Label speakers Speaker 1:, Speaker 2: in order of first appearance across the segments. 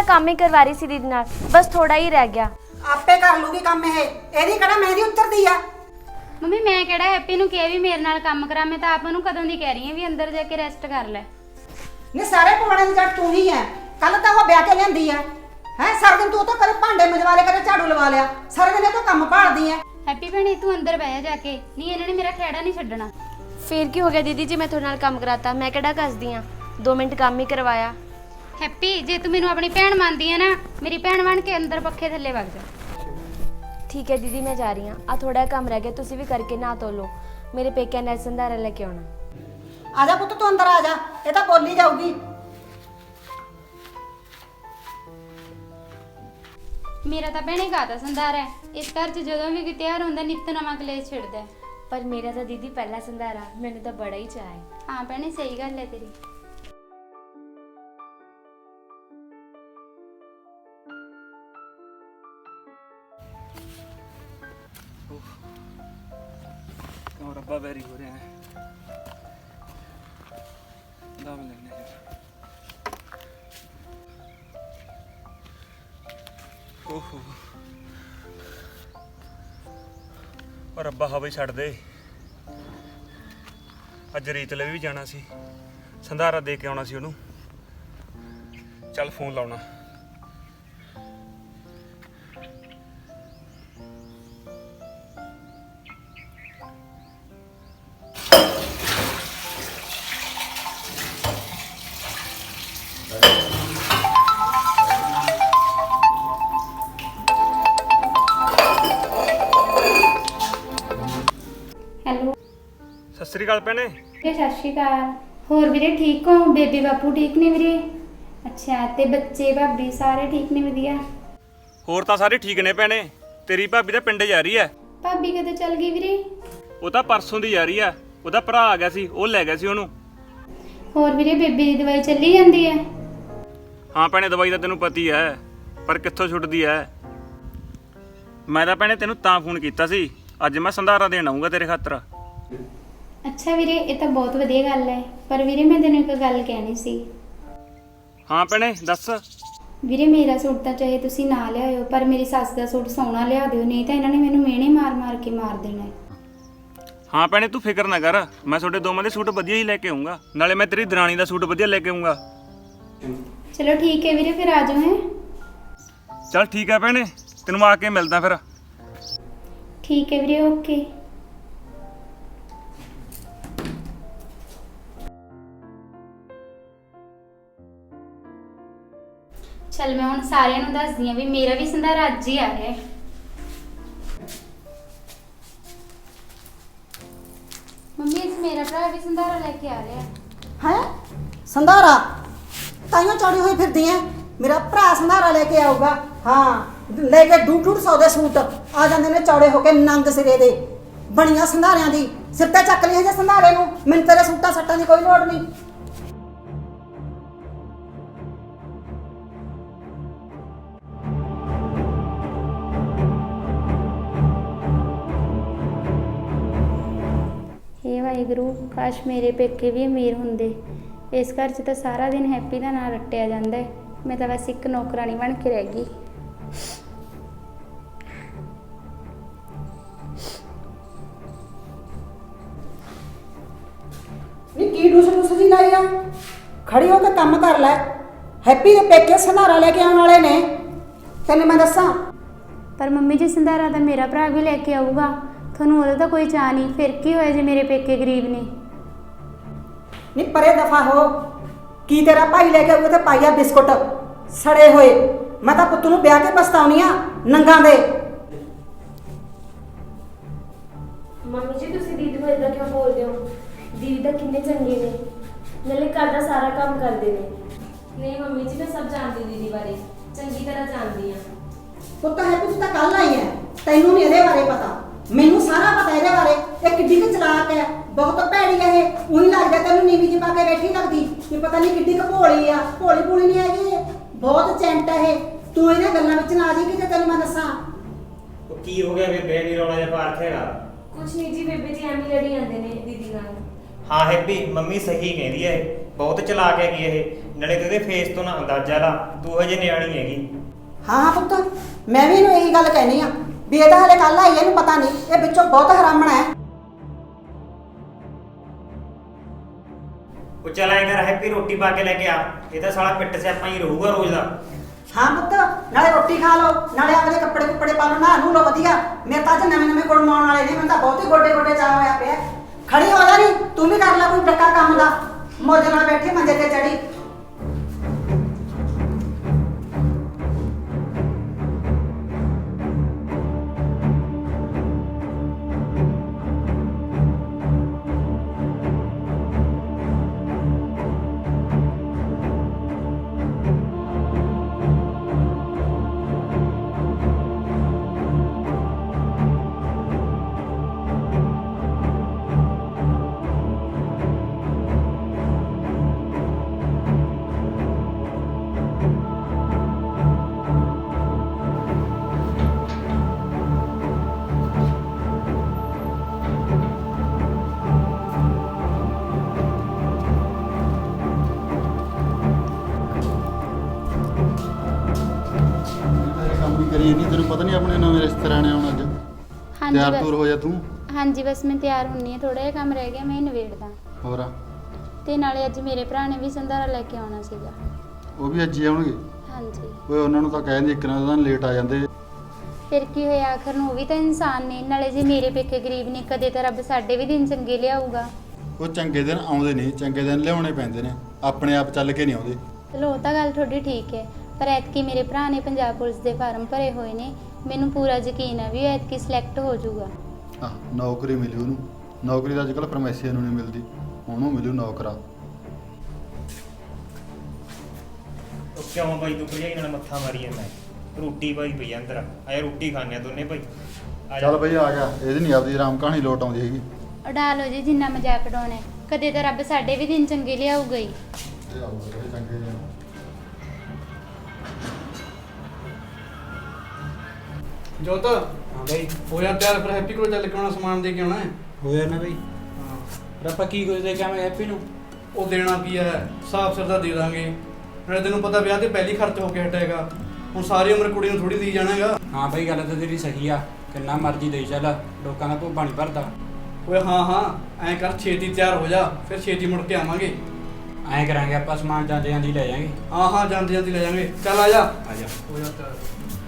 Speaker 1: काम ही करवा रही सी दीदी नाल, बस थोड़ा ही रह गया।
Speaker 2: आपे कर लूगी काम ਇਹਦੀ ਕਿਹੜਾ ਮਹਿੰਦੀ ਉਤਰਦੀ ਆ।
Speaker 3: ਮੰਮੀ ਮੈਂ ਕਿਹੜਾ ਹੈਪੀ ਨੂੰ ਕਿਹਾ ਵੀ ਮੇਰੇ ਨਾਲ ਕੰਮ ਕਰਾ, ਮੈਂ ਤਾਂ ਆਪ ਨੂੰ ਕਦੋਂ ਦੀ ਕਹਿ ਰਹੀ ਹਾਂ ਵੀ ਅੰਦਰ ਜਾ ਕੇ ਰੈਸਟ ਕਰ ਲੈ।
Speaker 2: ਨਹੀਂ ਸਾਰੇ ਪਵਾੜੇ ਦੀ ਜੱਟ ਤੂੰ ਹੀ ਹੈ। ਕੱਲ ਤਾਂ ਉਹ ਵਿਆਹ ਕੇ ਲਿਆਂਦੀ ਹੈ ਸਾਰਾ ਦਿਨ ਤੂੰ ਤਾਂ ਕਦੇ ਭਾਂਡੇ ਮਜਵਾ ਲਿਆ ਕਦੇ ਝਾੜੂ ਲਵਾ ਲਿਆ, ਸਾਰਾ ਦਿਨ ਇਹ ਤਾਂ ਕੰਮ ਭਾਲਦੀ ਹੈ।
Speaker 3: ਹੈਪੀ ਭੈਣੇ ਤੂੰ ਅੰਦਰ ਬਹਿ ਜਾ ਕੇ, ਨਹੀਂ ਇਹਨਾਂ ਨੇ ਮੇਰਾ ਖਹਿੜਾ ਨਹੀਂ ਛੱਡਣਾ।
Speaker 1: फिर की हो गया दीदी जी, मैं थोड़े नाल काम कराता, मैं केड़ा कसदी हां, 2 मिनट काम ही करवाया।
Speaker 3: ਹੈਪੀ ਜੇ ਤੂੰ ਮੈਨੂੰ ਆਪਣੀ ਭੈਣ ਮੰਨਦੀ ਹੈ ਨਾ, ਮੇਰੀ ਭੈਣ ਬਣ ਕੇ ਅੰਦਰ ਪੱਖੇ ਥੱਲੇ ਵਗ ਜਾ।
Speaker 1: ठीक है दीदी मैं जा रही हाँ, आ थोड़ा काम रह गया, तुसी भी करके ना धो लो, मेरे पेके ने संधारा लेके आना।
Speaker 2: ਆ ਜਾ ਪੁੱਤ ਤੂੰ ਅੰਦਰ ਆ ਜਾ, ਇਹ ਤਾਂ ਬੋਲੀ ਜਾਊਗੀ।
Speaker 3: ਮੇਰਾ ਤਾਂ ਭੈਣੇ ਗਾਤਾ ਸੰਧਾਰ ਹੈ, ਇਸ ਘਰ 'ਚ ਜਦੋਂ ਵੀ ਕੋਈ ਤਿਉਹਾਰ ਹੁੰਦਾ ਨਿੱਤ ਨਵਾਂ ਕਲੇਸ਼ ਛਿੜਦਾ।
Speaker 1: पर मेरा तो दीदी पहला संधारा, मैंने तो बड़ा ही चाह है।
Speaker 3: ਹਾਂ ਭੈਣੇ ਸਹੀ ਗੱਲ ਹੈ ਤੇਰੀ।
Speaker 4: और रब्बा बैरी हो रहे हैं दाम लेने हैं। ओहो और रब्बा हवा छड़ दे, अज रीत ले भी जाना सी, संधारा दे के आना सी ओनू। चल फोन लाउना।
Speaker 3: ਹੈਲੋ
Speaker 4: सत श्री अकाल भैने।
Speaker 3: ਸਤਿ ਸ਼੍ਰੀ ਅਕਾਲ। ਹੋਰ ਵੀਰੇ ਠੀਕ ਹੋ? ਬੇਬੀ ਬਾਪੂ ਠੀਕ ਨੇ ਵੀਰੇ? ਅੱਛਾ ਤੇ ਬੱਚੇ ਭਾਬੀ ਸਾਰੇ ਠੀਕ ਨੇ? ਵਧੀਆ।
Speaker 4: ਹੋਰ ਤਾਂ ਸਾਰੇ ਠੀਕ ਨੇ ਭੈਣੇ, ਤੇਰੀ ਭਾਬੀ ਤਾਂ ਪਿੰਡ ਜਾ ਰਹੀ ਐ।
Speaker 3: ਭਾਬੀ ਕਦੋਂ ਚੱਲ ਗਈ ਵੀਰੇ?
Speaker 4: ਉਹ ਤਾਂ ਪਰਸੋਂ ਦੀ ਜਾ ਰਹੀ ਐ, ਉਹਦਾ ਭਰਾ ਆ ਗਿਆ ਸੀ, ਉਹ ਲੈ ਗਿਆ ਸੀ ਉਹਨੂੰ।
Speaker 3: ਹੋਰ ਵੀਰੇ ਬੇਬੀ ਦੀ ਦਵਾਈ ਚੱਲੀ ਜਾਂਦੀ ਹੈ?
Speaker 4: ਹਾਂ ਭੈਣੇ ਦਵਾਈ ਤਾਂ ਤੈਨੂੰ ਪਤੀ ਐ, ਪਰ ਕਿੱਥੋਂ ਛੁੱਟਦੀ ਐ। ਮੈਂ ਤਾਂ ਭੈਣੇ ਤੈਨੂੰ ਤਾਂ ਫੋਨ ਕੀਤਾ ਸੀ, ਅੱਜ ਮੈਂ ਸੰਧਾਰਾ ਦੇਣ ਆਉਂਗਾ ਤੇਰੇ ਖਾਤਰ।
Speaker 3: ਅੱਛਾ ਵੀਰੇ ਇਹ ਤਾਂ ਬਹੁਤ ਵਧੀਆ ਗੱਲ ਹੈ, ਪਰ ਵੀਰੇ ਮੈਂ ਤੈਨੂੰ ਇੱਕ ਗੱਲ ਕਹਿਣੀ ਸੀ।
Speaker 4: ਹਾਂ ਭੈਣੇ ਦੱਸ।
Speaker 3: ਵੀਰੇ ਮੇਰਾ ਸੂਟ ਤਾਂ ਚਾਹੇ ਤੁਸੀਂ ਨਾ ਲਿਆਇਓ, ਪਰ ਮੇਰੀ ਸੱਸ ਦਾ ਸੂਟ ਸੋਹਣਾ ਲਿਆ ਦਿਓ, ਨਹੀਂ ਤਾਂ ਇਹਨਾਂ ਨੇ ਮੈਨੂੰ ਮਿਹਣੇ ਮਾਰ ਕੇ ਮਾਰ ਦੇਣਾ ਹੈ।
Speaker 4: ਹਾਂ ਭੈਣੇ ਤੂੰ ਫਿਕਰ ਨਾ ਕਰ, ਮੈਂ ਤੁਹਾਡੇ ਦੋਵਾਂ ਦੇ ਸੂਟ ਵਧੀਆ ਹੀ ਲੈ ਕੇ ਆਉਂਗਾ, ਨਾਲੇ ਮੈਂ ਤੇਰੀ ਦਰਾਣੀ ਦਾ ਸੂਟ ਵਧੀਆ ਲੈ ਕੇ ਆਉਂਗਾ।
Speaker 3: ਚਲੋ ਠੀਕ ਹੈ ਵੀਰੇ ਫਿਰ ਆ ਜਾਓ। ਹੈ
Speaker 4: ਚੱਲ ਠੀਕ ਹੈ ਭੈਣੇ, ਤੈਨੂੰ ਆ ਕੇ ਮਿਲਦਾ ਫਿਰ।
Speaker 3: ਠੀਕ ਹੈ ਵੀਰੇ ਓਕੇ। ਚਲ ਮੈਂ ਹੁਣ ਸਾਰਿਆਂ ਨੂੰ ਦੱਸਦੀ ਹਾਂ ਵੀ ਮੇਰਾ ਵੀ ਸੰਧਾਰਾ ਅੱਜ ਹੀ ਆ ਰਿਹਾ ਹੈ। ਮੰਮੀ ਇਸ ਮੇਰਾ ਭਰਾ ਵੀ ਸੰਧਾਰਾ ਲੈ ਕੇ ਆ ਰਿਹਾ ਹੈ।
Speaker 2: ਹੈ ਸੰਧਾਰਾ ਤਾਈਓ ਚੌੜੀ ਹੋਈ ਫਿਰਦੀ ਐ, ਮੇਰਾ ਭਰਾ ਸੰਧਾਰਾ ਲੈ ਕੇ ਆਊਗਾ। ਹਾਂ ਲੈ ਕੇ 200 ਦੇ ਸੂਟ ਆ ਜਾਂਦੇ ਨੇ ਚੌੜੇ ਹੋ ਕੇ ਨੰਗ ਸਿਰੇ ਦੇ, ਬਣੀਆਂ ਸੰਧਾਰਿਆਂ ਦੀ ਸਿਰ ਤੇ ਚੱਕ ਲਈ ਜੇ ਸੰਧਾਰੇ ਨੂੰ। ਮੈਨੂੰ ਤੇਰੇ ਸੂਟਾਂ ਸੱਟਾਂ ਦੀ ਕੋਈ ਲੋੜ ਨਹੀਂ।
Speaker 3: हे ਵਾਹਿਗੁਰੂ ਕਾਸ਼ ਮੇਰੇ ਪੇਕੇ ਵੀ ਅਮੀਰ ਹੁੰਦੇ। ਇਸ ਘਰ 'ਚ ਤਾਂ ਸਾਰਾ ਦਿਨ ਹੈਪੀ ਦਾ ਨਾਂ ਰੱਟਿਆ ਜਾਂਦਾ ਹੈ, ਮੈਂ ਤਾਂ ਬਸ ਇੱਕ ਨੌਕਰਾਨੀ ਬਣ ਕੇ ਰਹਿ ਗਈ।
Speaker 2: ਨੀ ਕੀ ਡੂਸ ਜੀ ਲਾਈ ਆ? ਖੜੀ ਹੋ ਕੇ ਕੰਮ ਕਰ ਲੈ। ਹੈਪੀ ਦੇ ਪੇਕੇ ਸੰਧਾਰਾ ਲੈ ਕੇ ਆਉਣ ਵਾਲੇ ਨੇ, ਤੈਨੂੰ ਮੈਂ ਦੱਸਾਂ।
Speaker 3: ਪਰ ਮੰਮੀ ਜੀ ਸੰਧਾਰਾ ਤਾਂ ਮੇਰਾ ਭਰਾ ਵੀ ਲੈ ਕੇ ਆਊਗਾ, ਤੁਹਾਨੂੰ ਉਹਦਾ ਤਾਂ ਕੋਈ ਚਾਅ ਨਹੀਂ, ਫਿਰ ਕੀ ਹੋਇਆ ਜੇ ਮੇਰੇ ਪੇਕੇ ਗਰੀਬ ਨੇ।
Speaker 2: ਨੀ ਪਰੇ ਦਫਾ ਹੋ, ਕੀ ਤੇਰਾ ਭਾਈ ਲੈ ਕੇ ਆਊਗਾ ਤੇ ਪਾਈਆ ਬਿਸਕੁਟ ਸੜੇ ਹੋਏ। ਮੈਂ ਤਾਂ ਪੁੱਤ ਨੂੰ ਵਿਆਹ ਕੇ ਪਛਤਾਉਣੀ ਆ ਨੰਗਾਂ ਦੇ।
Speaker 1: मम्मी जी तुसी दीदी को इदा क्यों बोल रहे हो? दीदी तो कितने चंगे ने, नाले घर का सारा काम करते ने। नहीं मम्मी जी मैं सब जानती दीदी बारे, चंगी तरह जानती हां।
Speaker 2: ਪੁੱਤ ਹੈ ਤੂੰ ਤਾਂ ਕੱਲ ਆਈ ਹੈ, ਤੈਨੂੰ ਨਹੀਂ ਇਹਦੇ ਬਾਰੇ ਪਤਾ, ਮੈਨੂੰ ਸਾਰਾ ਪਤਾ ਇਹਦੇ ਬਾਰੇ। ਇਹ ਕਿੱਡੀ ਕੁ ਚਲਾਕ ਹੈ, ਬਹੁਤ ਭੈੜੀ ਹੈ ਇਹ। ਉਹੀ ਲੱਗਦਾ ਤੈਨੂੰ ਨੀਵੀਂ ਜਿਹੀ ਪਾ ਕੇ ਬੈਠੀ ਲੱਗਦੀ, ਇਹ ਪਤਾ ਨਹੀਂ ਕਿੱਡੀ ਕੁ ਭੋਲੀ ਆ। ਭੋਲੀ ਭੋਲੀ ਨਹੀਂ ਹੈਗੀ ਇਹ, ਬਹੁਤ ਚੈਂਟ ਹੈ ਇਹ। ਤੂੰ ਇਹਨਾਂ ਗੱਲਾਂ ਵਿੱਚ ਨਾ ਆ ਜੀ ਕਿ ਤੈਨੂੰ ਮੈਂ ਦੱਸਾਂ।
Speaker 5: ਉਹ ਕੀ ਹੋ ਗਿਆ ਬੇਬੇ ਨੀ ਰੌਲਾ ਜਿਹਾ ਪਾ ਰੱਖੇਗਾ?
Speaker 1: कुछ नहीं जी बेबे जी एम ही लड़ी आंदे ने दीदी नाल।
Speaker 5: ਹਾਂ ਹੈਪੀ ਮੰਮੀ ਸਹੀ ਕਹਿੰਦੀ ਹੈ, ਬਹੁਤ ਚਲਾਕ ਹੈਗੀ ਇਹ, ਨਾਲੇ ਤੇ ਇਹਦੇ ਫੇਸ ਤੋਂ ਨਾ ਅੰਦਾਜ਼ਾ ਲਾ, ਤੂੰ ਹਜੇ ਨਿਆਣੀ ਹੈਗੀ।
Speaker 2: ਹਾਂ ਹਾਂ ਪੁੱਤ, ਮੈਂ ਵੀ ਇਹਨੂੰ ਇਹੀ ਗੱਲ ਕਹਿਨੀ ਆ ਵੀ ਇਹ ਤਾਂ ਹਲੇ ਕੱਲ ਆਈ ਹੈ, ਇਹਨੂੰ ਪਤਾ ਨਹੀਂ ਇਹ ਵਿੱਚੋਂ ਬਹੁਤ ਹਰਾਮਣਾ ਹੈ।
Speaker 5: ਉਹ ਚੱਲ ਐਂ ਕਰ ਹੈਪੀ, ਰੋਟੀ ਪਾ ਕੇ ਲੈ ਕੇ ਆ, ਇਹ ਤਾਂ ਸਾਲਾ ਪਿੱਟ ਸਿਆਪਾ ਹੀ ਰਹੂਗਾ ਰੋਜ਼ ਦਾ।
Speaker 2: ਹਾਂ ਪੁੱਤ, ਨਾਲੇ ਰੋਟੀ ਖਾ ਲਓ, ਨਾਲੇ ਆਪਦੇ ਕੱਪੜੇ ਕੁੱਪੜੇ ਪਾ ਲਓ, ਨਹਾ ਨੂੰ ਲਓ ਵਧੀਆ। ਮੇਰੇ ਤਾਂ ਅੱਜ ਨਵੇਂ ਗੁੜ ਮਾਉਣ ਵਾਲੇ ਨੇ, ਮੈਨੂੰ ਤਾਂ ਬਹੁਤ ਹੀ ਗੋਡੇ ਗੋਡੇ ਚਾਹ ਹੋਇਆ ਪਿਆ। ਖੜੀ ਹੋ ਜਾ ਨੀ, ਤੂੰ ਵੀ ਕਰ ਲੈ ਕੋਈ ਡੱਕਾ ਕੰਮ ਦਾ, ਮੌਜ ਨਾਲ ਬੈਠੀ ਮੰਜੇ ਤੇ ਚੜੀ।
Speaker 6: ਕਰੀ ਨਹੀਂ, ਤੈਨੂੰ ਪਤਾ ਨਹੀਂ ਆਪਣੇ ਨਵੇਂ ਰਿਸ਼ਤੇਦਾਰਾਂ ਨੇ ਆਉਣਾ ਅੱਜ।
Speaker 3: ਹਾਂਜੀ
Speaker 6: ਤਿਆਰ
Speaker 3: ਬਸ-
Speaker 6: ਤੂਰ ਹੋ ਜਾ ਤੂੰ।
Speaker 3: ਹਾਂਜੀ ਬਸ ਮੈਂ ਤਿਆਰ ਹੁੰਨੀ ਆ, ਥੋੜਾ ਜਿਹਾ ਕੰਮ ਰਹਿ ਗਿਆ, ਮੈਂ ਨਿਬੇੜਦਾ।
Speaker 6: ਹੋਰ
Speaker 3: ਤੇ ਨਾਲੇ ਅੱਜ ਮੇਰੇ ਭਰਾ ਨੇ ਵੀ ਸੰਧਾਰਾ ਲੈ ਕੇ ਆਉਣਾ ਸੀਗਾ।
Speaker 6: ਉਹ ਵੀ ਅੱਜ ਹੀ ਆਉਣਗੇ।
Speaker 3: ਹਾਂਜੀ
Speaker 6: ਓਏ ਉਹਨਾਂ ਨੂੰ ਤਾਂ ਕਹਿੰਦੇ ਇੱਕ ਨਾ ਦਿਨ ਲੇਟ ਆ ਜਾਂਦੇ।
Speaker 3: ਫਿਰ ਕੀ ਹੋਇਆ, ਆਖਰ ਨੂੰ ਉਹ ਵੀ ਤਾਂ ਇਨਸਾਨ ਨੇ। ਨਾਲੇ ਜੇ ਮੇਰੇ ਪੇਕੇ ਗਰੀਬ ਨੇ, ਕਦੇ ਤਾਂ ਰੱਬ ਸਾਡੇ ਵੀ ਦਿਨ ਚੰਗੇ ਲਿਆਊਗਾ।
Speaker 6: ਉਹ ਚੰਗੇ ਦਿਨ ਆਉਂਦੇ ਨਹੀਂ, ਚੰਗੇ ਦਿਨ ਲਿਆਉਣੇ ਪੈਂਦੇ ਨੇ, ਆਪਣੇ ਆਪ ਚੱਲ ਕੇ ਨਹੀਂ ਆਉਂਦੇ।
Speaker 3: ਚਲੋ ਉਹ ਤਾਂ ਗੱਲ ਤੁਹਾਡੀ ਠੀਕ ਹੈ, ਪਰ ਐਤਕੀ ਮੇਰੇ ਭਰਾ ਨੇ ਪੰਜਾਬ ਪੁਲਿਸ ਦੇ ਫਾਰਮ ਭਰੇ ਹੋਏ ਨੇ। ਮੈਨੂੰ ਪੂਰਾ ਯਕੀਨ ਹੈ ਵੀ ਉਹ ਐਤਕੀ ਸਿਲੈਕਟ ਹੋ ਜਾਊਗਾ।
Speaker 6: ਆਹ ਨੌਕਰੀ ਮਿਲੀ ਉਹਨੂੰ। ਨੌਕਰੀ ਤਾਂ ਅੱਜ ਕੱਲ੍ਹ ਪਰਮੇਸ਼ਰ ਨੂੰ ਨਹੀਂ ਮਿਲਦੀ, ਉਹਨੂੰ ਮਿਲੂ ਨੌਕਰਾ।
Speaker 5: ਉਹ ਕਿਉਂ ਬਾਈ ਤੂੰ ਭਜਾਈ ਨਾਲ ਮੱਥਾ ਮਾਰੀ ਜਾਂਦਾ? ਰੋਟੀ ਪਾਈ ਪਈ ਆ ਅੰਦਰ, ਆਏ ਰੋਟੀ ਖਾਣੇ ਆ ਦੋਨੇ ਭਾਈ। ਆ ਜਾ।
Speaker 6: ਚੱਲ ਬਈ ਆ ਗਿਆ, ਇਹਦੀ ਨਹੀਂ ਆਪਦੀ ਆਰਾਮ ਕਹਾਣੀ ਲੋਟ ਆਉਂਦੀ ਹੈਗੀ।
Speaker 3: ਉਡਾ ਲਓ ਜੀ ਜਿੰਨਾ ਮਜ਼ਾਕ ਉਡਾਉਣਾ ਹੈ, ਕਦੇ ਤਾਂ ਰੱਬ ਸਾਡੇ ਵੀ ਦਿਨ ਚੰਗੇ ਲਿਆਊਗਾ ਹੀ।
Speaker 6: ਇਹ ਆਊਗਾ ਚੰਗੇ ਦਿਨ।
Speaker 7: ਜੋਤ
Speaker 5: ਹਾਂ ਬਾਈ
Speaker 7: ਹੋਇਆ ਤਿਆਰ, ਫਿਰ ਹੈਪੀ ਕੋਲ ਚੱਲ ਕੇ ਆਉਣਾ, ਸਮਾਨ ਦੇ ਕੇ ਆਉਣਾ ਹੈ।
Speaker 5: ਹੋਇਆ ਨਾ ਬਾਈ।
Speaker 7: ਹਾਂ
Speaker 5: ਪਰ ਆਪਾਂ ਕੀ ਕੁਝ ਦੇ ਕੇ ਆਵਾਂਗੇ ਹੈਪੀ ਨੂੰ?
Speaker 7: ਉਹ ਦੇਣਾ ਕੀ ਹੈ, ਸਾਫ ਸਿਰ ਦਾ ਦੇ ਦਾਂਗੇ। ਨਾਲੇ ਤੈਨੂੰ ਪਤਾ ਵਿਆਹ ਤੇ ਪਹਿਲੀ ਖਰਚ ਹੋ ਕੇ ਹਟੇਗਾ, ਹੁਣ ਸਾਰੀ ਉਮਰ ਕੁੜੀ ਨੂੰ ਥੋੜੀ ਦੇਈ ਜਾਣਾਗਾ।
Speaker 8: ਹਾਂ ਬਈ ਗੱਲ ਤਾਂ ਤੇਰੀ ਸਹੀ ਆ, ਕਿੰਨਾ ਮਰਜ਼ੀ ਦੇਈ ਚੱਲ, ਲੋਕਾਂ ਦਾ ਭੁੱਬਾ ਨਹੀਂ ਭਰਦਾ।
Speaker 7: ਓਏ ਹਾਂ ਹਾਂ, ਐਂ ਕਰ ਛੇਤੀ ਤਿਆਰ ਹੋ ਜਾ, ਫਿਰ ਛੇਤੀ ਮੁੜ ਕੇ ਆਵਾਂਗੇ।
Speaker 8: ਐਂ ਕਰਾਂਗੇ ਆਪਾਂ, ਸਮਾਨ ਜਾਂਦੇ ਜਾਂਦੀ ਲੈ ਜਾਾਂਗੇ।
Speaker 7: ਹਾਂ ਹਾਂ, ਜਾਂਦੀ ਜਾਂਦੀ ਲੈ ਜਾਵਾਂਗੇ। ਚੱਲ ਆ ਜਾ।
Speaker 8: ਆ ਜਾ।
Speaker 7: ਹੋ ਜਾ ਤਿਆਰ।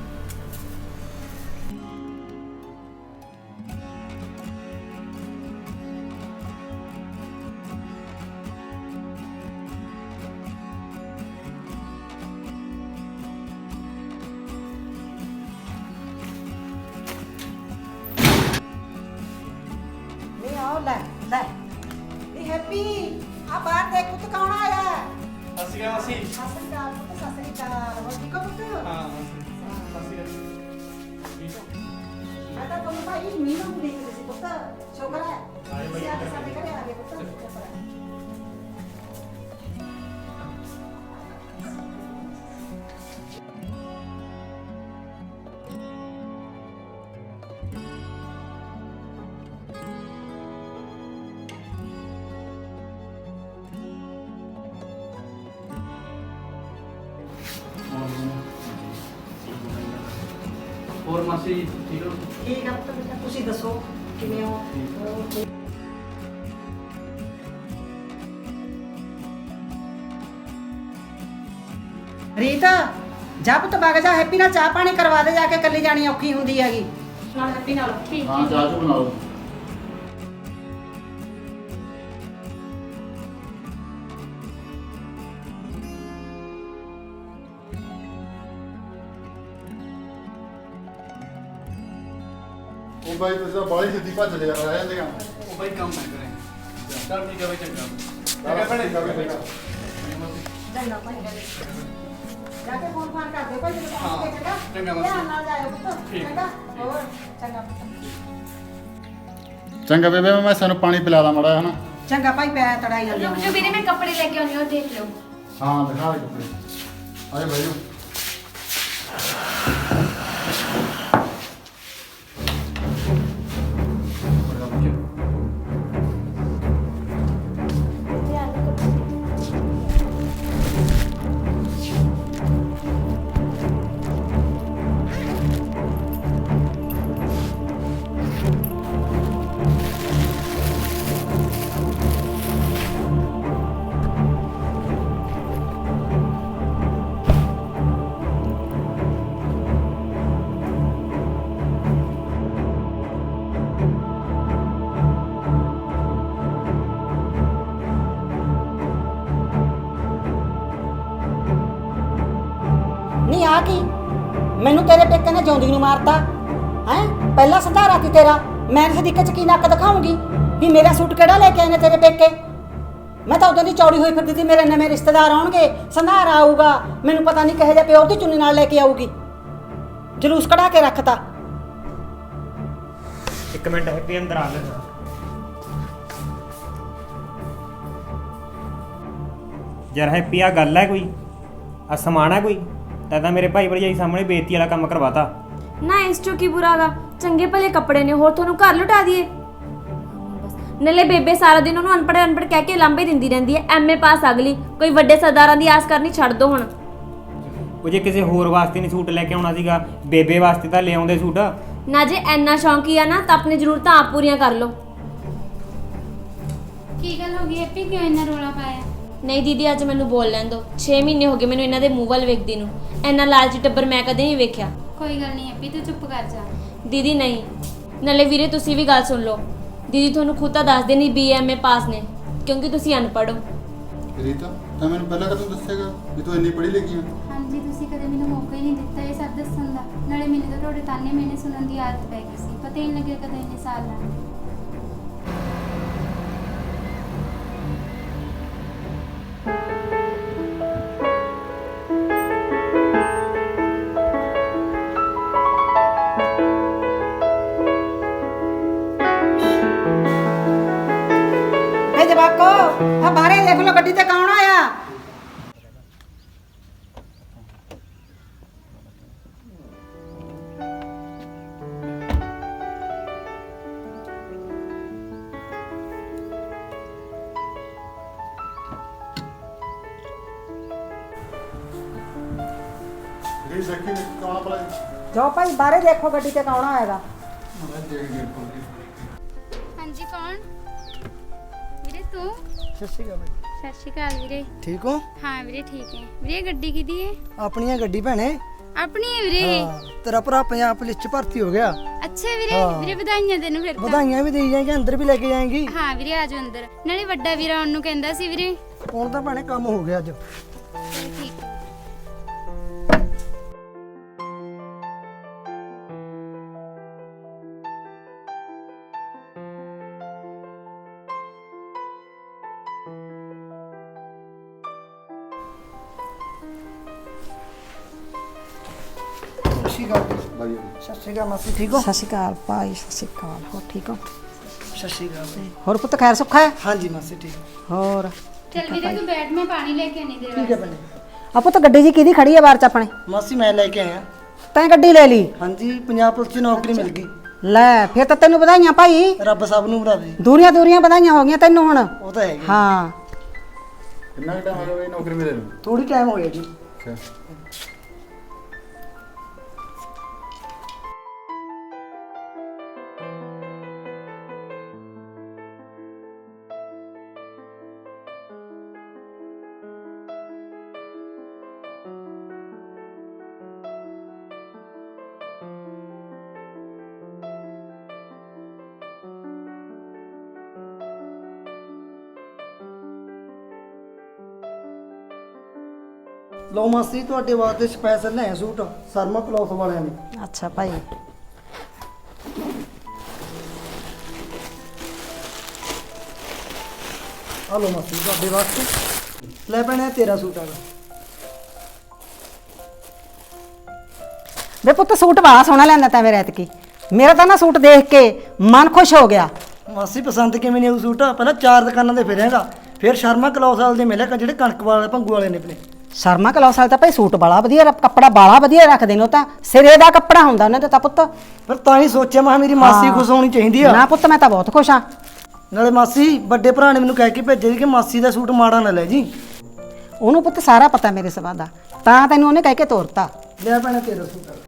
Speaker 2: ਨਹੀਂ ਆਓ ਲੈ ਲੈ ਨੀ ਹੈਪੀ, ਆ ਬਾਹਰ ਦੇਖ ਪੁੱਤ ਕੌਣ ਆਇਆ ਹੈ?
Speaker 7: ਅਸੀਂ ਆ ਅਸੀਂ।
Speaker 2: ਸਤਿ ਸ੍ਰੀ ਅਕਾਲ ਪੁੱਤ, ਸਤਿ ਸ੍ਰੀ ਅਕਾਲ। ਹੋਰ ਠੀਕ ਹੋ ਪੁੱਤ?
Speaker 7: ਹਾਂ ਅਸੀਂ ਠੀਕ ਹੋ?
Speaker 2: ਮੈਂ ਤਾਂ ਤੁਹਾਨੂੰ ਭਾਈ ਮੀਨੂ ਨੂੰ ਦੇਖਦੀ ਸੀ ਪੁੱਤ, ਸ਼ੁਕਰ ਹੈ
Speaker 5: ਆਏ ਬਾਈ,
Speaker 2: ਤੁਸੀਂ ਅੱਜ ਸਾਡੇ ਘਰੇ ਆ ਗਏ ਪੁੱਤ। ਸ਼ੁਕਰ ਹੈ।
Speaker 7: ਹੋਰ ਮਾਸੀ ਠੀਕ ਹੋ?
Speaker 2: ਠੀਕ ਆ ਪੁੱਤ, ਬੇਟਾ ਤੁਸੀਂ ਦੱਸੋ ਕਿਵੇਂ ਹੋ? ਰੀਤ, ਜਾ ਪੁੱਤ ਵਗ ਜਾ, ਹੈਪੀ ਨਾਲ ਚਾਹ ਪਾਣੀ ਕਰਵਾ ਦੇ ਜਾ ਕੇ, ਇਕੱਲੀ ਜਾਣੀ ਔਖੀ ਹੁੰਦੀ ਹੈਗੀ।
Speaker 1: ਨਾਲ ਹੈਪੀ ਨਾਲ ਠੀਕ
Speaker 6: ਹਾਂ ਚਾਹ ਚੂਹ ਬਣਾ ਲਓ। ਉਹ ਬਾਈ ਤੁਸੀਂ ਤਾਂ ਬਾਹਲੀ ਛੇਤੀ ਭੱਜ ਲਿਆ ਆ ਜਾਂਦੇ ਆ।
Speaker 7: ਉਹ ਬਾਈ ਕੰਮ ਨਾ ਕਰੇ। ਚੱਲ ਠੀਕ ਹੈ ਬਾਈ, ਚੰਗਾ।
Speaker 6: ਚੰਗਾ ਭੈਣੇ।
Speaker 2: ਚੰਗਾ ਭਾਈ, ਜਾ ਕੇ ਫੋਨ ਫਾਨ ਕਰ ਦਿਓ ਭਾਈ ਜਦੋਂ
Speaker 7: ਹਾਂ,
Speaker 2: ਪਹੁੰਚ ਗਏ। ਚੰਗਾ
Speaker 7: ਚੰਗਾ ਮਾਸੀ।
Speaker 2: ਧਿਆਨ ਨਾਲ ਜਾਇਓ ਪੁੱਤ।
Speaker 7: ਠੀਕ।
Speaker 2: ਚੰਗਾ ਹੋਰ ਚੰਗਾ ਪੁੱਤ।
Speaker 6: ਚੰਗਾ ਬੇਬੇ, ਮੈਂ ਸਾਨੂੰ ਪਾਣੀ ਪਿਲਾ ਦਾਂ ਮਾੜਾ ਹਨਾ।
Speaker 2: ਚੰਗਾ ਭਾਈ, ਪੈ ਤੜਾਈ ਜਾਂਦੇ
Speaker 1: ਰੁਕ ਜਾ ਵੀਰੇ, ਮੈਂ ਕੱਪੜੇ ਲੈ ਕੇ ਆਉਣੀ ਉਹ ਦੇਖ ਲਓ।
Speaker 6: ਹਾਂ ਦਿਖਾ ਦੇ ਕੱਪੜੇ। ਆਏ ਬਾਈ
Speaker 1: ਧਿਆਨ ਨਾਲ ਕੱਪੜੇ।
Speaker 2: ਮੈਨੂੰ ਤੇਰੇ ਪੇਕੇ ਨੇ ਜਿਉਂਦੀ ਨੂੰ ਮਾਰਤਾ ਹੈ। ਪਹਿਲਾ ਸੰਧਾਰਾ ਸੀ ਤੇਰਾ, ਮੈਂ ਸਦੀਕੇ ਚ ਕੀ ਨੱਕ ਦਿਖਾਉਂਗੀ ਵੀ ਮੇਰਾ ਸੂਟ ਕਿਹੜਾ ਲੈ ਕੇ ਆਏ ਨੇ ਤੇਰੇ ਪੇਕੇ। ਮੈਂ ਤਾਂ ਉਦੋਂ ਦੀ ਚੌੜੀ ਹੋਈ ਫਿਰਦੀ ਸੀ, ਮੇਰੇ ਨਵੇਂ ਰਿਸ਼ਤੇਦਾਰ ਆਉਣਗੇ, ਸੰਧਾਰਾ ਆਊਗਾ, ਮੈਨੂੰ ਪਤਾ ਨਹੀਂ ਕਿਹੋ ਜਿਹਾ ਪਿਓਰ ਦੀ ਚੁੰਨੀ ਨਾਲ ਲੈ ਕੇ ਆਊਗੀ। ਜਲੂਸ ਕਢਾ ਕੇ ਰੱਖਤਾ।
Speaker 5: ਇੱਕ ਮਿੰਟ ਹੈਪੀ ਅੰਦਰ ਆ ਲੈ। ਯਾਰ ਹੈਪੀ ਆ ਗੱਲ ਹੈ ਕੋਈ? ਆ ਸਮਾਨ ਹੈ ਕੋਈ? ਤਾਂ ਮੇਰੇ ਭਾਈ ਭਰਜਾਈ ਸਾਹਮਣੇ ਬੇਇੱਜ਼ਤੀ ਵਾਲਾ ਕੰਮ ਕਰਵਾਤਾ।
Speaker 1: ਨਾ ਇਸ ਚੋਂ ਕੀ ਬੁਰਾਗਾ, ਚੰਗੇ ਭਲੇ ਕੱਪੜੇ ਨੇ, ਹੋਰ ਤੁਹਾਨੂੰ ਘਰ ਲੁਟਾ ਦਈਏ। ਨਲੇ ਬੇਬੇ ਸਾਰਾ ਦਿਨ ਉਹਨੂੰ ਅਨਪੜ੍ਹ ਕਹਿ ਕੇ ਲਾਂਭੇ ਦਿੰਦੀ ਰਹਿੰਦੀ ਹੈ। ਐਮਏ ਪਾਸ ਅਗਲੀ, ਕੋਈ ਵੱਡੇ ਸਰਦਾਰਾਂ ਦੀ ਆਸ ਕਰਨੀ ਛੱਡ ਦੋ ਹੁਣ।
Speaker 5: ਉਹ ਜੇ ਕਿਸੇ ਹੋਰ ਵਾਸਤੇ ਨਹੀਂ ਸੂਟ ਲੈ ਕੇ ਆਉਣਾ ਸੀਗਾ, ਬੇਬੇ ਵਾਸਤੇ ਤਾਂ ਲੈ ਆਉਂਦੇ ਸੂਟ।
Speaker 1: ਨਾ ਜੇ ਐਨਾ ਸ਼ੌਂਕੀ ਆ ਨਾ ਤਾਂ ਆਪਣੀ ਜ਼ਰੂਰਤਾਂ ਆਪ ਪੂਰੀਆਂ ਕਰ ਲਓ।
Speaker 3: ਕੀ ਗੱਲ ਹੋ ਗਈ ਹੈਪੀ, ਕਿਉਂ ਇੰਨਾ ਰੋਲਾ ਪਾਇਆ?
Speaker 1: ਨਹੀਂ ਦੀਦੀ, ਅੱਜ ਮੈਨੂੰ ਬੋਲ ਲੈਣ ਦਿਓ। 6 ਮਹੀਨੇ ਹੋ ਗਏ ਮੈਨੂੰ ਇਹਨਾਂ ਦੇ ਮੂੰਹ ਵੱਲ ਵੇਖਦੀ ਨੂੰ। ਐਨਾ ਲਾਲਚੀ ਟੱਬਰ ਮੈਂ ਕਦੇ ਨਹੀਂ ਵੇਖਿਆ।
Speaker 3: ਕੋਈ ਗੱਲ ਨਹੀਂ ਹੈਪੀ, ਤੂੰ ਚੁੱਪ ਕਰ ਜਾ।
Speaker 1: ਦੀਦੀ ਨਹੀਂ, ਨਾਲੇ ਵੀਰੇ ਤੁਸੀਂ ਵੀ ਗੱਲ ਸੁਣ ਲਓ। ਦੀਦੀ ਤੁਹਾਨੂੰ ਖੁਦ ਤਾਂ ਦੱਸਦੇ ਨਹੀਂ BMA ਪਾਸ ਨੇ, ਕਿਉਂਕਿ ਤੁਸੀਂ ਅਨਪੜ੍ਹ ਹੋ।
Speaker 6: ਰੀਤਾ ਤਾਂ ਮੈਨੂੰ ਪਹਿਲਾਂ ਕਦੋਂ ਦੱਸੇਗਾ ਵੀ ਤੂੰ ਇੰਨੀ ਪੜ੍ਹੀ ਲਿਖੀ ਆ?
Speaker 3: ਹਾਂਜੀ, ਤੁਸੀਂ ਕਦੇ ਮੈਨੂੰ ਮੌਕਾ ਹੀ ਨਹੀਂ ਦਿੱਤਾ ਇਹ ਸਭ ਦੱਸਣ ਦਾ। ਨਾਲੇ ਮੈਨੂੰ ਤਾਂ ਤੁਹਾਡੇ ਤਾਨੇ ਮੈਨੇ ਸੁਣਨ ਦੀ ਆਦਤ ਪੈ ਗਈ ਸੀ, ਪਤਾ ਹੀ ਨਹੀਂ ਲੱਗਿਆ ਕਦੋਂ ਇੰਨੇ ਸਾਲ ਲੰਘ ਗਏ।
Speaker 2: ਜਵਾਕੋ ਆ ਬਾਹਰੇ ਦੇਖ ਲੋ ਗੱਡੀ ਤੇ ਕੌਣ ਆਇਆ।
Speaker 6: ਰੀ ਦੇਖੀ ਕੌਣ ਆ ਭਲਾ?
Speaker 2: ਜਾਓ ਭਾਈ ਬਾਹਰੇ ਦੇਖੋ ਗੱਡੀ ਤੇ ਕੌਣ ਆਏਗਾ।
Speaker 6: ਮੈਂ ਦੇਖ ਗੇਟ ਖੋਲ ਕੇ।
Speaker 3: ਹਾਂਜੀ, ਕੌਣ? ਵੀਰੇ ਤੂੰ?
Speaker 9: ਸਤਿ ਸ਼੍ਰੀ ਅਕਾਲ ਬਾਈ।
Speaker 3: ਸਤਿ ਸ਼੍ਰੀ ਅਕਾਲ ਵੀਰੇ।
Speaker 9: ਠੀਕ ਹੋ?
Speaker 3: ਹਾਂ ਵੀਰੇ ਠੀਕ ਹੈ। ਵੀਰੇ ਗੱਡੀ ਕਿਹਦੀ ਹੈ?
Speaker 9: ਆਪਣੀ ਗੱਡੀ ਭੈਣੇ।
Speaker 3: ਆਪਣੀ ਹੈ ਵੀਰੇ?
Speaker 9: ਹਾਂ, ਤੇਰਾ ਭਰਾ ਪੰਜਾਬ ਪੁਲਿਸ ਚ ਭਰਤੀ ਹੋ ਗਿਆ।
Speaker 3: ਅੱਛਾ ਵੀਰੇ,
Speaker 9: ਹਾਂ।
Speaker 3: ਵੀਰੇ ਵਧਾਈਆਂ ਤੈਨੂੰ ਫਿਰ ਤਾਂ।
Speaker 9: ਵਧਾਈਆਂ ਵੀ ਦੇਈ ਜਾਏਗੀ, ਅੰਦਰ ਵੀ ਲੈ ਕੇ ਜਾਏਗੀ।
Speaker 3: ਹਾਂ ਵੀਰੇ, ਆਜੋ ਅੰਦਰ। ਨਾਲੇ ਵੱਡਾ ਵੀਰਾ ਆਉਣ ਨੂੰ ਕਹਿੰਦਾ ਸੀ ਵੀਰੇ।
Speaker 9: ਹੁਣ ਤਾਂ ਭੈਣੇ ਕੰਮ ਹੋ ਗਿਆ ਅੱਜ।
Speaker 3: ਚਲ ਠੀਕ ਹੈ।
Speaker 6: ਬਾਈ
Speaker 9: ਸਤਿ ਸ਼੍ਰੀ ਅਕਾਲ ਮਾਸੀ, ਠੀਕ ਹੋ?
Speaker 2: ਸਤਿ ਸ਼੍ਰੀ ਅਕਾਲ ਭਾਈ, ਸਤਿ ਸ਼੍ਰੀ ਅਕਾਲ। ਹੋਰ ਠੀਕ ਹੋ?
Speaker 9: ਸਤਿ ਸ਼੍ਰੀ ਅਕਾਲ।
Speaker 2: ਹੋਰ ਪੁੱਤ ਖੈਰ ਸੁੱਖਾ ਹੈ?
Speaker 9: ਹਾਂਜੀ ਮਾਸੀ ਠੀਕ।
Speaker 2: ਹੋਰ
Speaker 3: ਚਲ ਵੀਰੇ ਤੂੰ ਬੈਠ, ਮੈਂ ਪਾਣੀ ਲੈ ਕੇ ਆਣੀ ਤੇਰੇ
Speaker 9: ਠੀਕ ਹੈ
Speaker 3: ਵਾਸਤੇ।
Speaker 9: ਭੈਣੇ।
Speaker 2: ਆ ਪੁੱਤ ਗੱਡੀ ਜੀ ਕਿਹਦੀ ਖੜੀ ਹੈ ਬਾਹਰ ਚ ਆਪਣੇ?
Speaker 9: ਮਾਸੀ ਮੈਂ ਲੈ ਕੇ ਆਇਆ।
Speaker 2: ਤੈਂ ਗੱਡੀ ਲੈ ਲਈ?
Speaker 9: ਹਾਂਜੀ, ਪੰਜਾਬ ਪੁਲਿਸ ਚ ਨੌਕਰੀ ਮਿਲ ਗਈ।
Speaker 2: ਲੈ ਫਿਰ ਤਾਂ ਤੈਨੂੰ ਵਧਾਈਆਂ ਭਾਈ।
Speaker 9: ਰੱਬ ਸਭ ਨੂੰ ਵਧਾਵੇ।
Speaker 2: ਦੂਰੀਆਂ ਦੂਰੀਆਂ ਵਧਾਈਆਂ ਹੋ ਗਈਆਂ ਤੈਨੂੰ ਹੁਣ।
Speaker 9: ਉਹ ਤਾਂ ਹੈਗੀ।
Speaker 2: ਹਾਂ
Speaker 6: ਕਿੰਨਾ ਟਾਈਮ ਹੋ ਗਿਆ ਬਈ ਨੌਕਰੀ ਮਿਲੇ ਨੂੰ?
Speaker 9: ਥੋੜੀ ਟਾਈਮ ਹੋ ਗਿਆ ਜੀ।
Speaker 6: ਅੱਛਾ।
Speaker 9: ਲਓ ਮਾਸੀ, ਤੁਹਾਡੇ ਵਾਸਤੇ ਸਪੈਸ਼ਲ ਲੈ ਸੂਟ ਸਰਮਾ ਕਲੌਥ ਵਾਲਿਆਂ ਨੇ।
Speaker 2: ਅੱਛਾ ਭਾਈ।
Speaker 9: ਆ ਲਓ ਮਾਸੀ ਤੁਹਾਡੇ ਵਾਸਤੇ। ਲੈ ਭੈਣੇ ਤੇਰਾ ਸੂਟ ਆਗਾ।
Speaker 2: ਵੇ ਪੁੱਤ ਸੂਟ ਬੜਾ ਸੋਹਣਾ ਲੈਂਦਾ ਤੈਂ ਮੇਰੇ ਐਤਕੀ। ਮੇਰਾ ਤਾਂ ਨਾ ਸੂਟ ਦੇਖ ਕੇ ਮਨ ਖੁਸ਼ ਹੋ ਗਿਆ।
Speaker 9: ਮਾਸੀ ਪਸੰਦ ਕਿਵੇਂ ਨਹੀਂ ਆਉ ਸੂਟ? ਪਹਿਲਾਂ 4 ਦੁਕਾਨਾਂ ਤੇ ਫਿਰਿਆਗਾ, ਫਿਰ ਸ਼ਰਮਾ ਕਲੌਥ ਵਾਲੇ ਦੇ ਮਿਲਿਆ ਜਿਹੜੇ ਕਣਕ ਵਾਲੇ ਭੰਗੂ ਵਾਲੇ ਨੇ ਆਪਣੇ।
Speaker 2: ਸ਼ਰਮਾ ਕਲੌਥ ਵਾਲੇ ਤਾਂ ਭਾਈ ਸੂਟ ਬੜਾ ਵਧੀਆ, ਕੱਪੜਾ ਬਾਲਾ ਵਧੀਆ ਰੱਖਦੇ ਨੇ। ਉਹ ਤਾਂ ਸਿਰੇ ਦਾ ਕੱਪੜਾ ਹੁੰਦਾ ਉਹਨਾਂ ਦਾ ਤਾਂ ਪੁੱਤ।
Speaker 9: ਫਿਰ ਤਾਂ ਹੀ ਸੋਚਿਆ ਮੈਂ ਮੇਰੀ ਮਾਸੀ ਖੁਸ਼ ਹੋਣੀ ਚਾਹੀਦੀ ਆ।
Speaker 2: ਨਾ ਪੁੱਤ ਮੈਂ ਤਾਂ ਬਹੁਤ ਖੁਸ਼ ਹਾਂ।
Speaker 9: ਨਾਲੇ ਮਾਸੀ ਵੱਡੇ ਭਰਾ ਨੇ ਮੈਨੂੰ ਕਹਿ ਕੇ ਭੇਜਿਆ ਸੀ ਕਿ ਮਾਸੀ ਦਾ ਸੂਟ ਮਾੜਾ ਨਾ ਲੈ ਜੀ।
Speaker 2: ਉਹਨੂੰ ਪੁੱਤ ਸਾਰਾ ਪਤਾ ਮੇਰੇ ਸਭਾ ਦਾ, ਤਾਂ ਤੈਨੂੰ ਉਹਨੇ ਕਹਿ ਕੇ ਤੋਰਤਾ।
Speaker 9: ਲੈ ਭੈਣੇ ਤੇਰਾ ਸੂਟ ਆ।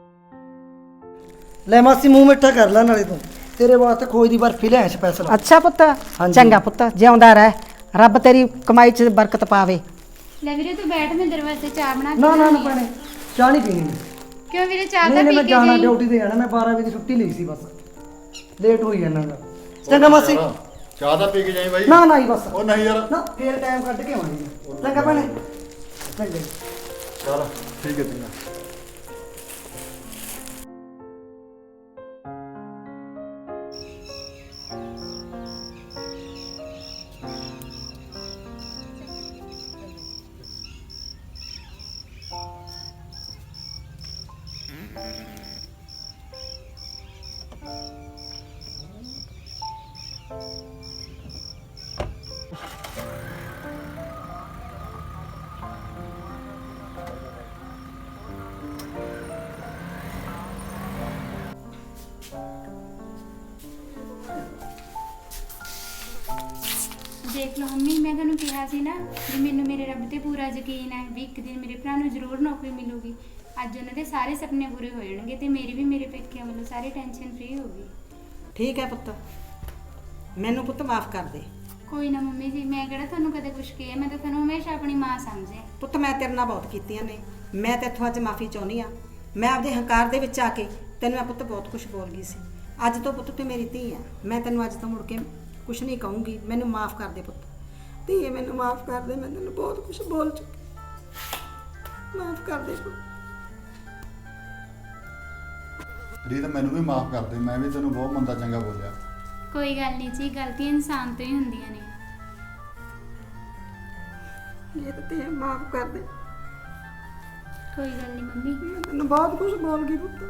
Speaker 9: ਲੈ ਮਾਸੀ ਮੂੰਹ ਮਿੱਠਾ ਕਰ ਲੈ, ਨਾਲੇ ਤੂੰ ਤੇਰੇ ਵਾਸਤੇ ਖੋਏ ਦੀ ਬਰਫੀ ਲੈ ਸਪੈਸ਼ਲ।
Speaker 2: ਅੱਛਾ ਪੁੱਤ, ਚੰਗਾ ਪੁੱਤ, ਜਿਉਂਦਾ ਰਹਿ, ਰੱਬ ਤੇਰੀ ਕਮਾਈ 'ਚ ਬਰਕਤ ਪਾਵੇ।
Speaker 3: ਲੈ ਵੀਰੇ ਤੂੰ ਬੈਠ, ਮੈਂ ਤੇਰੇ ਵਾਸਤੇ ਚਾਹ ਬਣਾ ਕੇ
Speaker 9: ਨਾ ਨਾ ਨਾ
Speaker 3: ਲਿਆਉਣੀ ਆ।
Speaker 9: ਭੈਣੇ, ਚਾਹ ਨਹੀਂ ਪੀਣੀ ਮੈਂ।
Speaker 3: ਕਿਉਂ ਵੀਰੇ, ਚਾਹ ਤਾਂ
Speaker 9: ਨਹੀਂ
Speaker 3: ਪੀ
Speaker 9: ਮੈਂ
Speaker 3: ਕੇ
Speaker 9: ਜਾਣਾ,
Speaker 3: ਜਾਈਂ।
Speaker 9: ਡਿਊਟੀ ਤੇ ਜਾਣਾ ਮੈਂ। 12 ਵਜੇ ਦੀ ਛੁੱਟੀ ਲਈ ਸੀ, ਬਸ ਲੇਟ ਹੋਈ ਜਾਣਾ ਗਾ। ਚੰਗਾ ਮਾਸੀ।
Speaker 6: ਚਾਹ ਤਾਂ ਪੀ ਕੇ ਜਾਈ ਬਾਈ।
Speaker 9: ਨਾ ਨਾ ਹੀ ਬਸ।
Speaker 6: ਉਹ ਨਹੀਂ ਯਾਰ।
Speaker 9: ਨਾ ਫੇਰ ਟਾਈਮ ਕੱਢ ਕੇ ਆਵਾਂਗੇ। ਚੰਗਾ ਭੈਣੇ। ਚੰਗਾ।
Speaker 6: ਚਲ ਠੀਕ ਹੈ ਚੰਗਾ।
Speaker 3: ਦੇਖ ਲਓ ਮੰਮੀ, ਮੈਂ ਤੁਹਾਨੂੰ ਕਿਹਾ ਸੀ ਨਾ ਵੀ ਮੈਨੂੰ ਮੇਰੇ ਰੱਬ ਤੇ ਪੂਰਾ ਯਕੀਨ ਹੈ ਵੀ ਇੱਕ ਦਿਨ ਮੇਰੇ ਭਰਾ ਨੂੰ ਜ਼ਰੂਰ ਨੌਕਰੀ ਮਿਲੂਗੀ। ਅੱਜ ਉਹਨਾਂ ਦੇ ਸਾਰੇ ਸੁਪਨੇ ਪੂਰੇ ਹੋ ਜਾਣਗੇ ਤੇ ਮੇਰੀ ਵੀ ਮੇਰੇ ਪੇਕਿਆਂ ਵੱਲੋਂ ਸਾਰੀ ਟੈਨਸ਼ਨ ਫ੍ਰੀ ਹੋਊਗੀ।
Speaker 2: ਠੀਕ ਹੈ ਪੁੱਤ, ਮੈਨੂੰ ਪੁੱਤ ਮਾਫ ਕਰ ਦੇ।
Speaker 3: ਕੋਈ ਨਾ ਮੰਮੀ ਜੀ, ਮੈਂ ਕਿਹੜਾ ਤੁਹਾਨੂੰ ਕਦੇ ਕੁਝ ਕਿਹਾ, ਮੈਂ ਤਾਂ ਤੁਹਾਨੂੰ ਹਮੇਸ਼ਾ ਆਪਣੀ ਮਾਂ ਸਮਝਿਆ।
Speaker 2: ਪੁੱਤ ਮੈਂ ਤੇਰੇ ਨਾਲ ਬਹੁਤ ਕੀਤੀਆਂ ਨੇ, ਮੈਂ ਤੇਥੋਂ ਅੱਜ ਮਾਫੀ ਚਾਹੁੰਦੀ ਆ। ਮੈਂ ਆਪਦੇ ਹੰਕਾਰ ਦੇ ਵਿੱਚ ਆ ਕੇ ਤੈਨੂੰ ਮੈਂ ਪੁੱਤ ਬਹੁਤ ਕੁਝ ਬੋਲ ਗਈ ਸੀ। ਅੱਜ ਤੋਂ ਪੁੱਤ ਤੂੰ ਮੇਰੀ ਧੀ ਆ, ਮੈਂ ਤੈਨੂੰ ਅੱਜ ਤੋਂ ਮੁੜ ਕੇ ਕੁਝ ਨਹੀਂ ਕਹੂੰਗੀ। ਮੈਨੂੰ ਮਾਫ ਕਰ ਦੇ ਪੁੱਤ, ਧੀਏ ਮੈਨੂੰ ਮਾਫ ਕਰ ਦੇ। ਮੈਂ ਤੈਨੂੰ ਬਹੁਤ ਕੁਝ ਬੋਲ ਚੁੱਕੀ, ਮਾਫ ਕਰ ਦੇ ਪੁੱਤ।
Speaker 6: ਰੀਤ ਮੈਨੂੰ ਵੀ ਮਾਫ ਕਰ ਦੇ, ਮੈਂ ਵੀ ਤੈਨੂੰ ਬਹੁਤ ਮੰਦਾ ਚੰਗਾ ਬੋਲਿਆ।
Speaker 3: ਕੋਈ ਗੱਲ ਨਹੀਂ ਜੀ, ਗਲਤੀਆਂ ਇਨਸਾਨ ਤੋਂ ਹੀ ਹੁੰਦੀਆਂ ਨੇ।
Speaker 2: ਇਹ ਤਾਂ ਤੇ ਮਾਫ ਕਰ ਦੇ,
Speaker 3: ਕੋਈ ਗੱਲ ਨਹੀਂ ਮੰਮੀ।
Speaker 2: ਮੈਂ ਤੈਨੂੰ ਬਹੁਤ ਕੁਝ ਬੋਲ ਗਈ ਪੁੱਤ।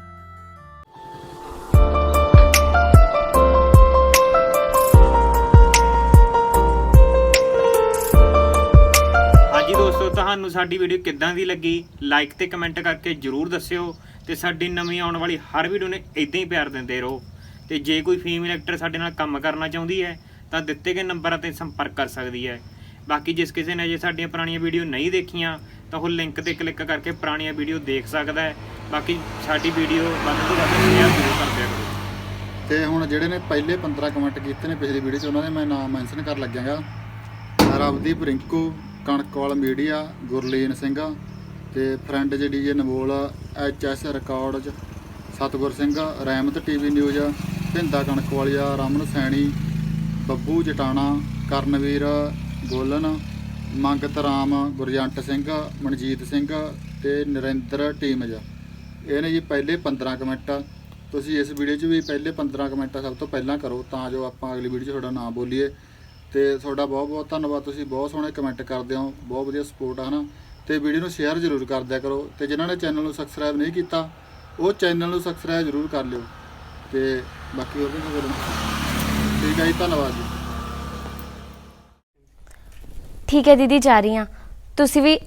Speaker 5: ਹਾਂਜੀ ਦੋਸਤੋ, ਤੁਹਾਨੂੰ ਸਾਡੀ ਵੀਡੀਓ ਕਿੱਦਾਂ ਦੀ ਲੱਗੀ ਲਾਈਕ ਤੇ ਕਮੈਂਟ ਕਰਕੇ ਜਰੂਰ ਦੱਸਿਓ ਤੇ ਸਾਡੀ ਨਵੀਂ ਆਉਣ ਵਾਲੀ ਹਰ ਵੀਡੀਓ ਨੇ ਇਦਾਂ ਹੀ ਪਿਆਰ ਦਿੰਦੇ ਰਹੋ। ਤੇ ਜੇ ਕੋਈ ਫੀਮੇਲ ਐਕਟਰ ਸਾਡੇ ਨਾਲ ਕੰਮ ਕਰਨਾ ਚਾਹੁੰਦੀ ਹੈ ਤਾਂ ਦਿੱਤੇ ਗਏ ਨੰਬਰਾਂ ਤੇ ਸੰਪਰਕ ਕਰ ਸਕਦੀ ਹੈ। ਬਾਕੀ ਜਿਸ ਕਿਸੇ ਨੇ ਜੇ ਸਾਡੀਆਂ ਪੁਰਾਣੀਆਂ ਵੀਡੀਓ ਨਹੀਂ ਦੇਖੀਆਂ ਤਾਂ ਉਹ ਲਿੰਕ ਤੇ ਕਲਿੱਕ ਕਰਕੇ ਪੁਰਾਣੀਆਂ ਵੀਡੀਓ ਦੇਖ ਸਕਦਾ ਹੈ। ਬਾਕੀ ਸਾਡੀ ਵੀਡੀਓ ਵੱਧ ਤੋਂ ਵੱਧ ਸ਼ੇਅਰ ਜ਼ਰੂਰ ਕਰ ਦਿਆ ਕਰੋ।
Speaker 6: ਤੇ ਹੁਣ ਜਿਹੜੇ ਨੇ ਪਹਿਲੇ 15 ਕਮੈਂਟ ਕੀਤੇ ਨੇ ਪਿਛਲੀ ਵੀਡੀਓ 'ਚ, ਉਹਨਾਂ ਦੇ ਮੈਂ ਨਾਮ ਮੈਂਸ਼ਨ ਕਰਨ ਲੱਗਿਆਗਾ। ਰਵਦੀਪ ਰਿੰਕੂ, ਕਣਕਵਾਲ ਮੀਡੀਆ, ਗੁਰਲੀਨ ਸਿੰਘ ਤੇ ਫਰੈਂਡ ਜਿਹੜੀ ਜੇ ਨਵੋਲ, HS records, Satgur Singh, Rehmat TV news, Bhinda Kanakwalia, Raman Saini, Babbu Jatana, Karanveer Golan, Mangat Ram, Gurjant Singh, Manjit Singh ਤੇ ਨਰਿੰਦਰ ਟੀਮਜ। ਇਹ ਨੇ ਜੀ ਪਹਿਲੇ 15 ਕਮੈਂਟ। ਤੁਸੀਂ ਇਸ ਵੀਡੀਓ 'ਚ ਵੀ ਪਹਿਲੇ 15 ਕਮੈਂਟ ਸਭ ਤੋਂ ਪਹਿਲਾਂ ਕਰੋ ਤਾਂ ਜੋ ਆਪਾਂ ਅਗਲੀ ਵੀਡੀਓ 'ਚ ਤੁਹਾਡਾ ਨਾਮ ਬੋਲੀਏ। ਤੇ ਤੁਹਾਡਾ ਬਹੁਤ ਬਹੁਤ ਧੰਨਵਾਦ, ਤੁਸੀਂ ਬਹੁਤ ਸੋਹਣੇ ਕਮੈਂਟ ਕਰਦੇ ਹੋ, ਬਹੁਤ ਵਧੀਆ ਸਪੋਰਟ ਹੈ ਨਾ। ਤੇ ਵੀਡੀਓ ਨੂੰ ਸ਼ੇਅਰ ਜ਼ਰੂਰ ਕਰ ਦਿਆ ਕਰੋ ਤੇ ਜਿਨ੍ਹਾਂ ਨੇ ਚੈਨਲ ਨੂੰ ਸਬਸਕ੍ਰਾਈਬ ਨਹੀਂ ਕੀਤਾ ਉਹ ਚੈਨਲ ਨੂੰ ਸਬਸਕ੍ਰਾਈਬ ਜ਼ਰੂਰ ਕਰ ਲਿਓ। ਤੇ ਬਾਕੀ ਹੋਰ ਵੀ ਖਬਰ ਠੀਕ ਹੈ ਜੀ, ਧੰਨਵਾਦ ਜੀ।
Speaker 1: ਠੀਕ ਹੈ ਦੀਦੀ, ਜਾ ਰਹੀ ਹਾਂ। ਤੁਸੀਂ ਵੀ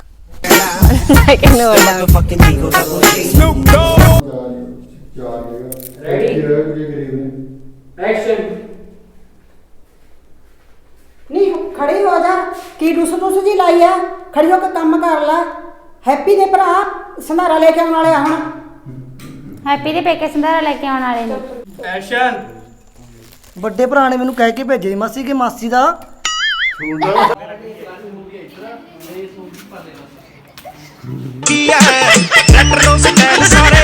Speaker 2: ਨਹੀਂ ਖੜੀ ਹੋ ਜਾ, ਕੀ ਡੁੱਸ ਜੀ ਲਾਈ ਆ? ਖੜੀ ਹੋ ਕੇ ਕੰਮ ਕਰ ਲੈ। ਹੈਪੀ ਦੇ ਭਰਾ ਸੰਧਾਰਾ ਲੈ ਕੇ ਆਉਣ ਵਾਲੇ ਆ ਹੁਣ।
Speaker 3: ਹੈਪੀ ਦੇ ਪੇਕੇ ਸੰਧਾਰਾ ਲੈ ਕੇ ਆਉਣ ਵਾਲੇ ਨੇ।
Speaker 7: ਐਕਸ਼ਨ।
Speaker 9: ਵੱਡੇ ਭਰਾ ਨੇ ਮੈਨੂੰ ਕਹਿ ਕੇ ਭੇਜੇ ਸੀ ਮਾਸੀ ਕਿ ਮਾਸੀ ਦਾ
Speaker 10: ਹੈ